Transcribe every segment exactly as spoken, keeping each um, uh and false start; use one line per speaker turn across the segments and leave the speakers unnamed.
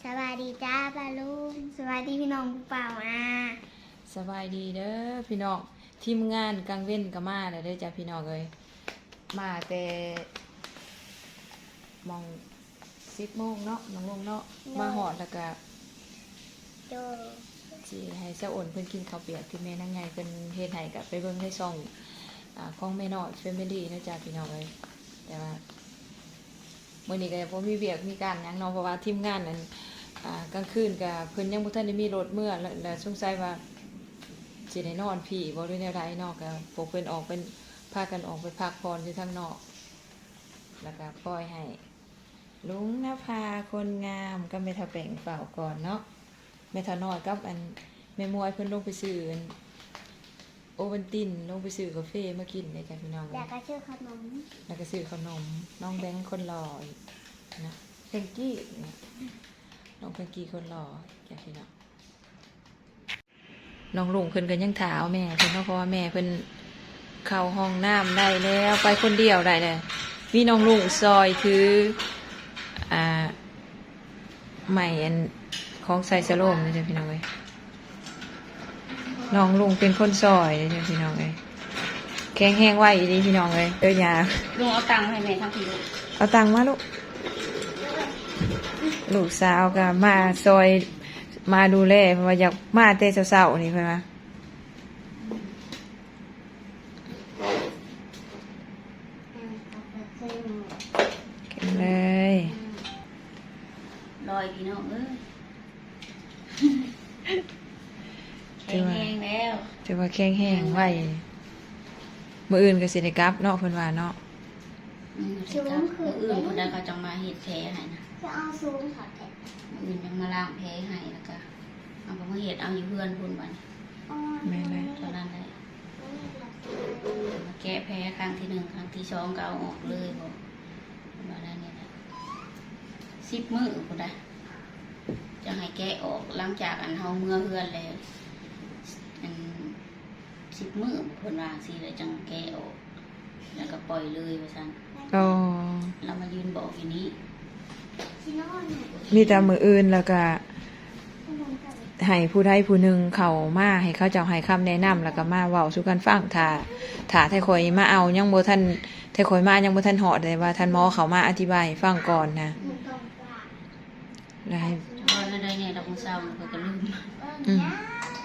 สวัสดีจ้าปาลุงสวัสดีพี่น้องผู้เป่ามา
สบายดีเด้อพี่น้องทีมงานกลางเว้นก็มาแล้วเด้อจ้ะพี่น้องเอ้ยมาแต่มองสิบโมงเนาะน้องลงเนาะมาหอดแล้วก็
โด
สิให้เจ้าอ่นเพิ่นกินข้าวเปียกที่แม่นางไงเพิ่นเฮ็ดให้กับไปเบิ่งในช่องอ่าของแม่น้อยแฟมิลี่นะจ้ะพี่น้องเอ้ยแต่ว่ามื้อนี้ก็บ่มีเวียกมีการหยังเนาะเพราะว่าทีมงานนั้นอ่ากลางคืนก็เพิ่นยังบ่ทันได้มีรถเมื่อแล้วแล้วสงสัยว่าสิได้นอนพี่บ่หรือแนวใดเนาะก็พวกเพิ่นออกเป็นพากันออกไปพักผ่อนอยู่ทางนอกแล้วก็ปล่อยให้ลุงนภาคนงามก็แม่ทาแป้งเฝ้าก่อนเนาะแม่ทาน้อยกับอันแม่มวยเพิ่นลงไปซื้อโอวัลตินลงไปซื้อกาแฟมากินได้จ้ะพี่น้อง
อยากกระชื่อขนม
แล้วก็ซื้อขนมน้องแบงค์คนหล่ออีกนะเพงกี้เนี่ยน้องเพงกี้คนหล่อจ้ะพี่น้องน้องลุงเพิ่นก็ยังถามแม่เพิ่นเพราะว่าแม่เพิ่นเข้าห้องน้ำได้แล้วไปคนเดียวได้เลยมีน้องลุงซอยคืออ่าใหม่อันของใส่สโลมนะจ๊ะพี่น้องเอ้ยน้องลุงเป็นคนซอยนะจ๊ะพี่น้องเอ้ยแข็งแห้งไหวดีพี่น้องเอ้ยเอ้ยยา
ลุงเอาตังค์ให้แม่ทั้งทีลูก
เอาตังค์มาลูกลูกสาวก็มาซอยมาดูแลเพราะว่าอยากมาแต่เช้าๆนี่เพิ่นว่าเก่งเลย
ลอยพี่น้องเอ้ยแข็งแรงแล้ว
ถือว่าแข็งแห้งไว้มื้ออื่นก็สิได้กลับเนาะเพิ่นว่าเนาะ
อืมสิครับมื้ออื่นคนใดเขาจังมาเฮ็ดแผลให้นะ
จะเอาซูมถอดแขน
มื้ออื่นจังมาล้างแผลให้แล้วก็เอาไปมาเฮ็ดเอาอยู่เพื่อนพุ่นบัดนี้
แม่นเลย
ตอนนั้นได้มาแก้แผลครั้งที่หนึ่งครั้งที่สองก็เอาออกเลยบ่ว่านั้นนี่นะสิบมื้อพุ่นน่ะจะให้แก้ออกหลังจากอันเฮาเมื่อเฮือนแล้วอันสิบมื้อเพิ่นว่าสิแล้วจังแก้ออกแล้วก็ปล่อยเลยว่าซั่น
อ๋อ
เรามายืนบอกอยู่นี้
ที่นอนเนี่ย
มีแต่มื้ออื่นแล้วก็
ขนมกับ
ให้ผู้ใดผู้หนึ่งเข้ามาให้เขาเจ้าให้คำแนะนำแล้วก็มาเว้าสู่กันฟังถ้าถ้าไทข่อยมาเอายังบ่ทันไทข่อยมายังบ่ทันฮอดเลยว่าท่านหมอเขามาอธิบายให้ฟังก่อนนะ
หมูตรงปลา
แล้วให้
ตอนนั้นได้เนี่ยเราคงเศร้าเราก็ลืม
อืม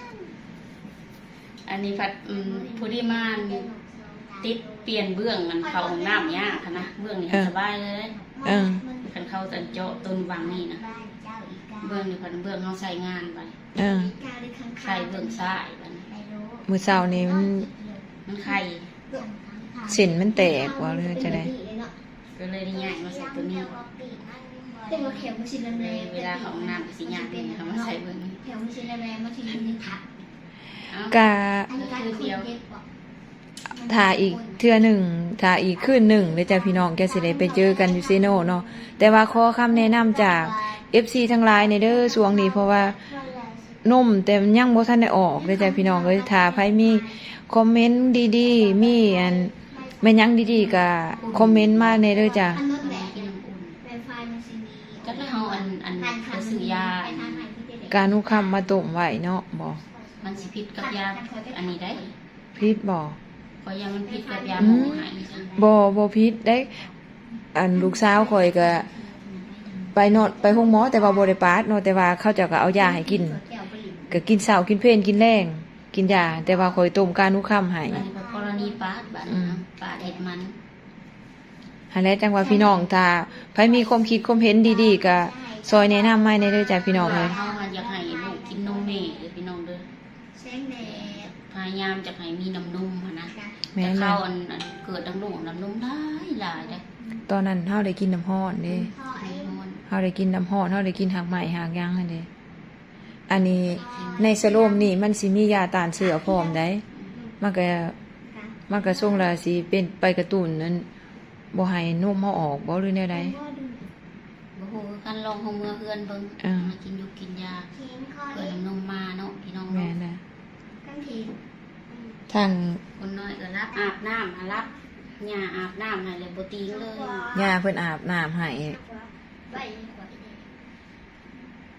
อันนี้ผัดอืมผู้ที่มาติดเปลี่ยนเบื้องมันเข้าห้องน้ำยากค่ะนะเบื้องนี่สบายเลย
เออ
คันเข้าตันเจาะต้นวังนี่นะ
บ้านเจ้าอีกา
เบื้องนี่พันเบื้องเขาใส่งานไป
เออ
อีกาหรือข้างๆ
ใส่เบื้องซ้ายมัน
ไม่รู้
มื้อเช้านี้มัน
มันไข่
เส้นมันแตกว่าหรือจะได้
ก็เลยได้ง่ายมาใส่ตัวนี้
เป็นว่าเข็มมันสิแร
เลย
งๆ
เวลาเขาห้องน้ำก็สิยากนี่เขามาใส่เบื้องนี้
เข็มมันสิแรงๆมันสิมีทับ
เอ้า
กะ
อันนี้การคุยเย็บกว่า
ถ้าอีกเทื่อหนึ่งถ้าอีกคืนหนึ่งเด้อจ้ะพี่น้องแกสิได้ไปเจอกันอยู่ซีโนเนาะแต่ว่าขอคำแนะนำจาก เอฟ ซี ทั้งหลายในเด้อช่วงนี้เพราะว่านมแต่มันยังบ่ทันได้ออกเด้อจ้ะพี่น้องเอ้ยถ้าไผมีคอมเมนต์ดีๆมีอันแม่นยังดีๆก็คอมเมนต์มาในเด้อจ้ะ
อันนู้นแหละ
กินน้ำอุ่น
ไวไฟมันสิมี
จักแล้วเขาอันอันไปซื้อยา
ไปทางไหนที่เด็ก
การนุคำมาต้มไว้เนาะบ่
มันสิพิษกับยาอันนี้ได้
พิษบ่
เพราะยามันพิษกับยาหมอหายจ้ะ
บ่บ่พิษได้ อันลูกสาวข่อยก็ไปนอนไปห้องหมอแต่ว่าบ่ได้ปาดเนาะแต่ว่าเขาเจ้าก็เอายาให้กิน
แก้วไปหลิน
ก็กินเช้ากินเพลนกินแรงกินยาแต่ว่าข่อยต้มการนุคำให้
อันนี้เป็นกรณีปาดบัดนะปาดเห็ดมัน
หันแหละจังว่าพี่น้องถ้าไผมีความคิดความเห็นดีๆก็ซอยแนะนำมาในเด้อจ้ะพี่น้อง
เว
เอ้
ลาย เขามาอยากให้ลูกกินนมแม่เด้อพี่น้องเด้อ
แสงแดด
พยายามจะให้มีน้ำนมหั้นนะ
แม่
แต่
น
เข้า
นะ
อันอันเกิดน้ำลูกน้ำนมหลายหลายเด้อ
ตอนนั้นเฮาได้กินน้ำร้อนเด้
พ่อไอ้
ไอ้ฮอน
เฮาได้กินน้ำร้อนเฮาได้กินหักไหม้หักหยังนั่นเด้อันนี้ในสโลมนี่มันสิมียาต้านเชื้อพร้อมได้มันก็มันก็ส่งละสิเป็นไปกระตุ้นนั้นบ่ให้นมเฮาออกบ่หรือแนวใด
บ่ฮู้กันลองห้องเมื่อเฮือนเบิ่ง
อ่า
มากินอยู่กินยา
เขียนข้อ
เกิดน้ำนมมาเนาะพี่น้อง
แม่
เนาะ
นะ
กันที
ทาง
คนน้อยก็รับอาบน้ำหารับหญ้าอาบน้ำให้เลยบ่ตีงเลย
ย่าเพิ่นอาบน้ำให้
ไปกว่า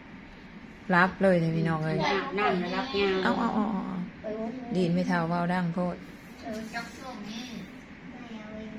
รับเลยเด้อพี่น้องเอ้ย
อาบน้ำแล้วรับยาม
เอาเอาเอาเอาดีนไม่เท่าเว้าดังโพด
เออจับส่งนี่ได้เอาเอง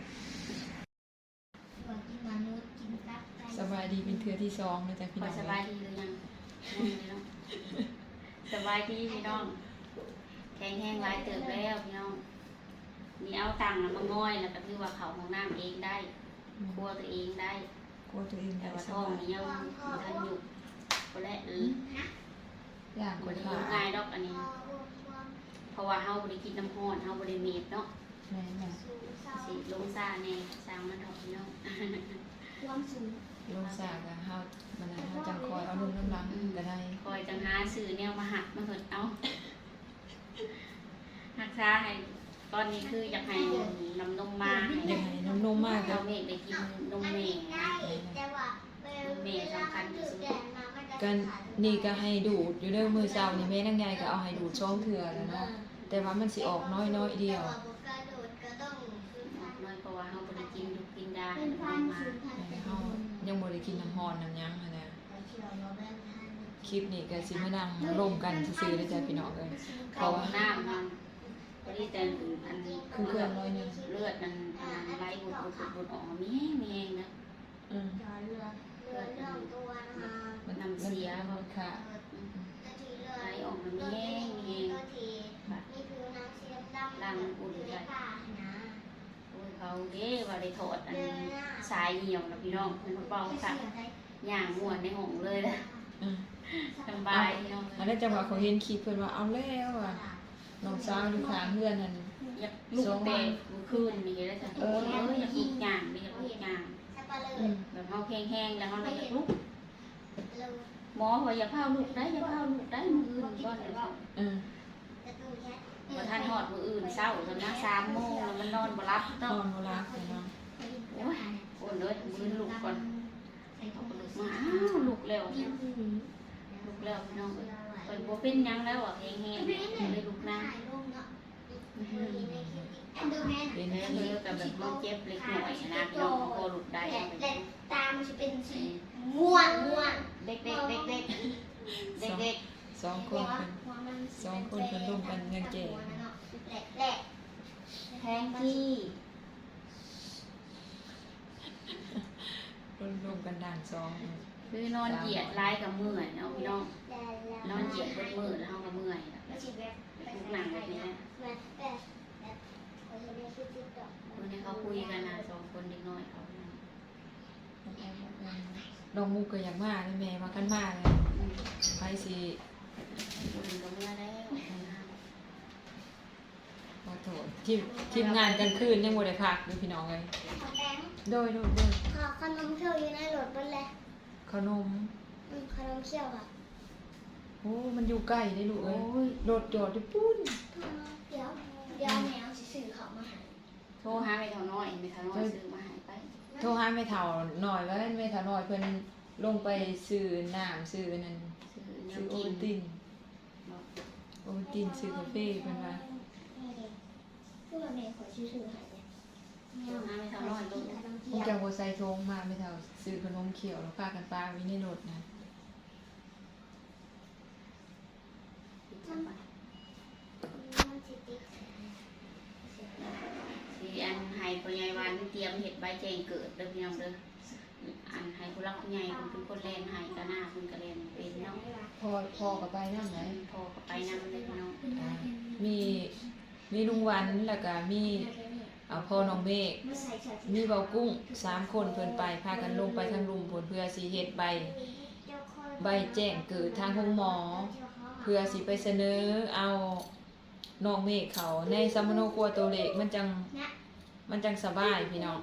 ว่ากินมนุษย์กินตับไก่
สบายดีเป็นเทื่อที่สองนะจ๊ะพี่
พ
น้
อ
อง
สบายดีหรือยังยังเลยเนาะสบายดีพี่น้องแข็งแห้งหลายเติบแล้วพี่น้องนี่เอาตังค์น่ะมาง่อยแล้วก็คือว่าเขาห้องน้ำเองได้ครัวตัวเองได้
กลัวตัวเอง
แต่
ได้
ว่า
ส
ท้อง
บาย
นี่ยังบ่ทันอยู่ก็และเออ
อย่างค
บ่
น
ได้
ขา
อยู่ง่ายดอกอันนี้ เพราะว่าเฮาบ่ได้กินน้ำร้อนเฮาบ่ได้เมดเนาะ
แม่น่ะ
สิลงซ่าแน่สร้างมันเถอะพี่น้อง
ความสูง
ลงสากะเฮามันน่ะเฮาจังคอยเอาลงน้ำหลังก็ได้
คอยจังหาซื้อแนวมาหักมาเถิดเอาหักษาให้ตอนนี้คืออยากให้นำนมมาให้
ยังไงน้ำนมมาก
เรา
ก็
เมฆได้กินนมแม่นะ
แต่ว่าเวลาถือแดดมามันจะ
กันนี่ก็ให้ดูดอยู่เด้อมื้อเช้านี่แม่นางใหญ่ก็เอาให้ดูดช่องเทื่อแล้วเนาะแต่ว่ามันสิออกน้อยๆเดียว
แต่ว่าบ่กระโดดก็ต้องคืน
อ
พั
อก
น
น้อยเพราะว่าเฮาบ่ได้กินดุกินดา
คื
ให้
น
น
พัน
มมา
คืนพันแต่
เฮายังบ่ได้กินน้ำร้อนน้ำหยังหั้นนะ
เชื่อว่าแม่พัน
คลิปนี้ก็สิมานั่งร่วมกันซื่อๆเด้อจ้ะพี่น้องเอ้ย
เข้าห้องน้ำมันพอดีแต่อัน
คือเครื่องน้อยหนึง
เลือดมันอันนั้นไหลบุดบุดบุดบุดออกมามีแห้งมีแห้งนะ
อืม
จอเรือเรือเรื่องตัวนะคะ
มัน
น้ำเสีย
มันค่ะ
นาทีเรือ
ไหลออกมามีแห้งมีแห้ง
นาทีนี่คือนางเสียมดำ
ลังอุ่น
อยู่
ใจ
ในป่านะ
โอ้ยเขาเด้ว่าได้ถอดอันสายเหี่ยวนะพี่น้องเพิ่นเบาสักย่างม่วนในห้องเลยนะ
อืม
สบายพี่น้อง
อันนั้นจังหวะเขาเห็นคลิปเพิ่นว่าเอาแล้วอ่ะน้องสาวอยู่ข้างเฮือนนั่น
อยากลุกแต่เมื่อคืนนี่แล้วจ้ะเอออยากลุกย่างนี่อยากลุกย่าง
สับปะเล
อื
อ
ม
แบบเฮาแห้งๆแล้วเฮาเลยอยากลุก
เรา
หมอว่าอย่าพาลุกได้อย่าพาลุกได้มื้ออื่นก่อนเลยว่า
อืม
จะดูแค่
บ่ทันฮอดมื้ออื่นเช้าจนนะสามโมงแล้วมันนอนบ่หลับ
น
เนาะ
อนบ่หลับเนาะ
โอ้ยโอนเลยมื้อลุกก่อนเอาก็ลุกมาอ้าวลุกแล้วลุกแล้วพี่น้องเอ้ยเพิ่นบ่เป็นหยังแล้วอ่ะแห้งๆเลยลุกนั่ง
ถ่ายรูปเนาะดูแม่
เป็น
แล้ว
ที่
เธอกับแบบมันเจ็บเล็กน้อยนะพี่น้องพอลุกได้
และและตามันจะเป็นสีม่วงม่วง
เด็กเด็กเด็กเด็กเด็กเด็ก
สองคนเพิ่น สองคนเพิ่นร่วมกันยังเก่ง
แหละแหละ
แทงที่
รวมรวมกันด่านสอง
คือนอนเหยียดลายกับเมื่อยเนาะพี่น้อง
แหละแหละ
นอนเหยียดบนมือแล้วกับเมื่อย
ไม่ใช่แบบ
ลุกหนังแบบนี้นะ
แบบแบบแบบเขาจะเรียกชื่อติ๊กต็อก
วันนี้เขาคุยกันนะสองคนเด็กน้อยเขา
น้องมุกก็อยากมาเลยแม่มากันมาเลยไปสิ
คุยกับเมื่อแล้ว
ขอโทษทีมทีมงานกันคืนยังบ่ได้พักเลยพี่น้องเลย
ขอแบงค์
โดยโดยโดย
ขอขนมเคี้ยวอยู่ในรถบนเลย
ขนม
อืมขนมเคี้ยวค่ะ
โอ้มันอยู่ใกล้ได้ลูก
โอ้
เอ้ย
ย
รถจอดอยู่ปุ้น
เดี๋ยวเดี๋ยวแมวสิสื่อเขามาให้
โทรหาไม่เท่าน้อยไม่เท่าน้อยซื้อมาให้ไป
โทรหาแม่เฒ่าหน่อยว่าแม่เฒ่าน้อยเพิ่นลงไปซื้อน้ำซื้อนั่น
ซื้อแน
ซื้
ว
อโอ
กิ
วัน ลตินโอวัลตินซื้อกาแฟเพิ่นว่า
คือว่าแม่ขอชื่อสื่อให้เนี่ยแม
โทร
ว
หาไม่เท่าน้อยลูก
ขนม
พว
เคี้
ก
ยว
เจ้าบ่ใส่ทงมาแม่เฒ่าซื้อขนมเขียวแล้วพากันปาไว้ในรถนะ
มันสิติด
สีอันให้พ่อใหญ่วันเตรียมเห็ดใบแจงเกิดเด้อพี่น้องเด้ออันให้ผู้รักผู้ใหญ่เพิ่นเป็นคนแลนให้ก็หน้าเพิ่นก็แลนเป็นเนาะ
พอพอกับไปนำไหน
พอก็ไปนำเลยพี่น้อง
อ่ามีมีลุงวันแล้วก็มีอ่าพ่อน้องเมฆ
มันใส่เสื้อสี
มีเบากุ้งสามคนเพิ่นไปพากันลงไปทางลุมผลเพื่อสิเฮ็ดใบใบแจ้งเกิดทางห้องหมอ เพื่อสิไปเสนอเอาน้องเมฆเขาในสัมมโนครัวตัวเล็กมันจังมันจังสบายพี่น้อง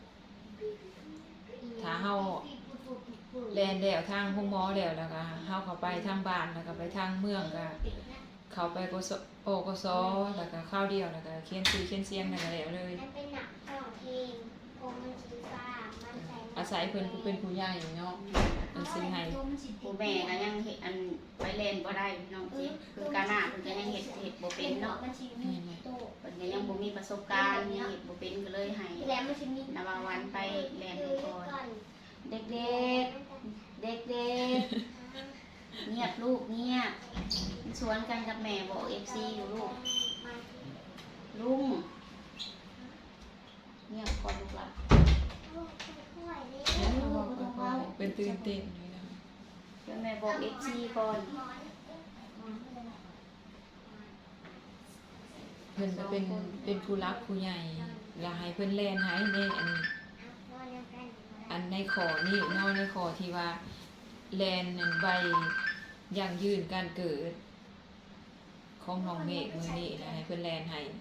ถ้าเฮาแลนแล้วทางห้องหมอแล้วแล้วก็เฮาเข้าไปทางบ้านแล้วก็ไปทางเมืองก็เข้าไปกสโอกสแล้วก็ข้าวเดียวแล้วก็เขียนชื่อเขียนเสียงแล้วก็แล้วเลย
มันเป็นหนักร้องเพลงโอมันสีฟ้ามันใส่
อาศัยเพิ่นผู้เป็นผู้ใหญ่เนาะเพิ่นซื้อให้
ผู้แม่ก็ยังเฮ็ดอันไปเล่นบ่ได้พี่น้องจิคือกาหน้าเพิ่นก็ยังเฮ็ดเฮ็ดบ่เป็นเนาะ
มันสิมีโต
เพิ่นก็ยังบ่มีประสบการณ์ยังเฮ็ดบ่เป็นก็เลยให้
แล้วมันสิมี
นาวาวันไปแล่นก่อนเด็กๆเด็กๆเงีลูกเงียบสวนกันกับแม่บอกเอฟซีอยู่ลูกลุงเงียบก่อนลูกหลาน
เป็นตื่นเต้นอยู่นะ
เดี๋ยวแม่บอกเอฟซีก่อน
เพิ่นจะเป็นเป็นผู้รักผู้ใหญ่แล้วให้เพิ่นแล่นให้ในอันอันในขอนี่เนาะในขอที่ว่าแลนอันใบอย่างยืนการเกิดของน้องเมฆมื้อนี้นะให้เพิ่นแลนให้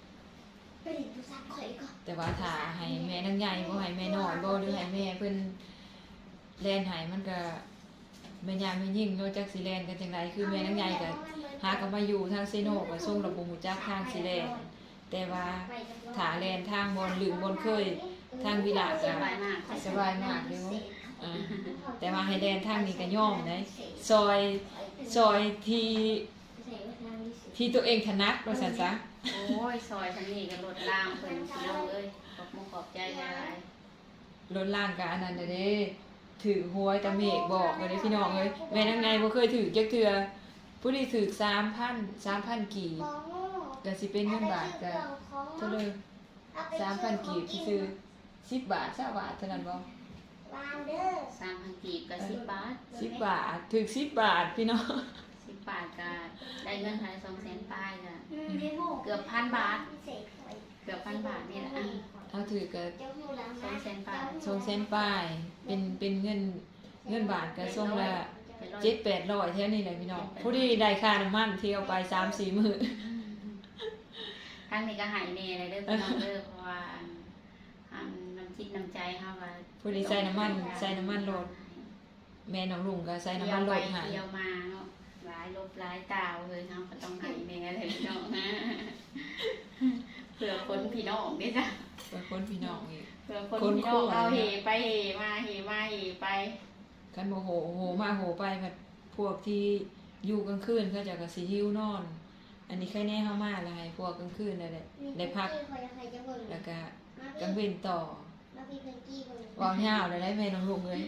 แต่ว่าถ้าให้แม่นางใหญ่บ่ให้แม่น้อยบ่หรือให้แม่เพิ่นแลนให้มันก็แม่ยามแม่ยิ่งเนาะจักสิแลนกันจังไดคือแม่นางใหญ่ก็หาก็มาอยู่ทางเซโนก็ส่งระบบหูจักทางสิแลนแต่ว่าถ้าแลนทางบนหรือบนเคยทางวิลา
ส
ก็
บายมาก
สบายมากเด้ออ่าแต่ว่าให้แลนทางนี้ก็ย่อมได้ซอยซอยที่ที่ตัวเองถนัดว่าซั่นซะ
โอ้ยซอยฉันนี่ก็รถล่างเพิ่นพี่น้องเอ้ยขอบมุกขอบใจหลาย
รถล่างก็อันนั้นเด้ถือหวยตาเมฆบอกเลยพี่น้องเอ้ยแม่นางไงบ่เคยถือจักเทื่อผู้ที่ถือสามพัน สามพันกีบก็สิเป็นเงินบาทก็เท่าเลยสามพันกีบที่ซื้อสิบบาท20บาทเท่านั้นบ่
ๆสามพันกีบกับสิบบาท
สิบบาทถือสิบบาทพี่น้อง
สิบบาทก็ได้เงินไทยสองแสนปลายก็เกือบพันบาท เกือบพันบาทนี่แหละ
เอาถือก็
สองแสนปลาย
สองแสนปลายเป็นเป็นเงินเงินบาทก็ส่งละ
เป็นร้อย
เจ็ดแปดร้อยแท้นี่แหละพี่น้องผู้ที่ได้ค่าน้ำมันเที่ยวไปสามสี่มื้อ
ทางนี้ก็หายเน่เลยเด้อพี่น้องเด้อเพราะว่าอันน้ำจิตน้ำใจเฮาว่า
ผู้ที่ใส่น้ำมันใส่น้ำมันรถแม่น้องลุงก็ใส่น้ำมันรถให้
เที่ยวมาเนาะหลายลบหลายตาวเลยเฮาก็ต้องหายเน่เลยพี่น้องนะเผื่อคนพี่น้องเด้จ้ะ
เพื่อคนพี่น้องอีก
เผื่อคนพี่น้องเอาเหไปเหมาเหมาเหไป
กันโมโหโหมาโหไปแบบพวกที่อยู่กลางคืนก็จะกระสีหิวนอน อันนี้แค่แน่เข้ามาอะไรพวกกลางคืนนั่นแหละได้พักแล้วก็กลางเว้นต่อวางยาวเลยได้แม่น้องลุงเลย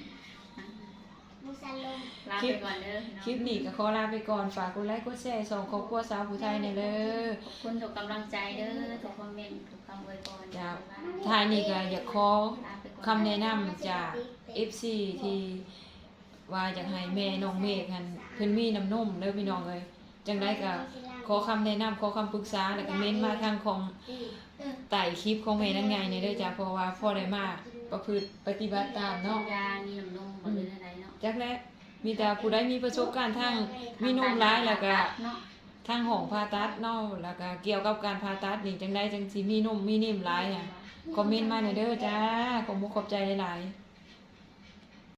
ลาไปก่อนเด้อพี่น้อง
คลิปนี้ก็ขอลาไปก่อนฝากกดไลค์กดแชร์ส่งครอบครัวสาวผู้ไทยในอยเด้อ
ขอบคุณทุกกำลังใจเด้อทุกคอมเมนต์ทุกคำอวยพร
จ้าท้ายนี้ก็อยากขอคำแนะนำจาก เอฟ ซี ที่ว่าอยากให้แม่น้องเมฆหันเพิ่นมีน้ำนมเด้อพี่น้องเอ้ยจังได๋ก็ขอคำแนะนำขอคำปรึกษาแล้วก็เม้นมาทางของไต่คลิปของแม่นางไงนี่เด้อจ้าเพราะว่าพ่อได้มาประพฤติปฏิบัติตามเนาะ
ยามีน้ำนมบ่ได้อะไรเนาะ
จักแลมีแต่ผู้ใดมีประสบการณ์ทางมีนมร้ายแล้วก็
เนาะ
ทางห้องผ่าตัดเนาะแล้วก็เกี่ยวกับการผ่าตัดนี่จังได๋จังสิมีนมมีนิ่มหลายอ่ะคอมเมนต์มาหน่อยเด้อจ้าขอบคุณขอบใจหลายๆ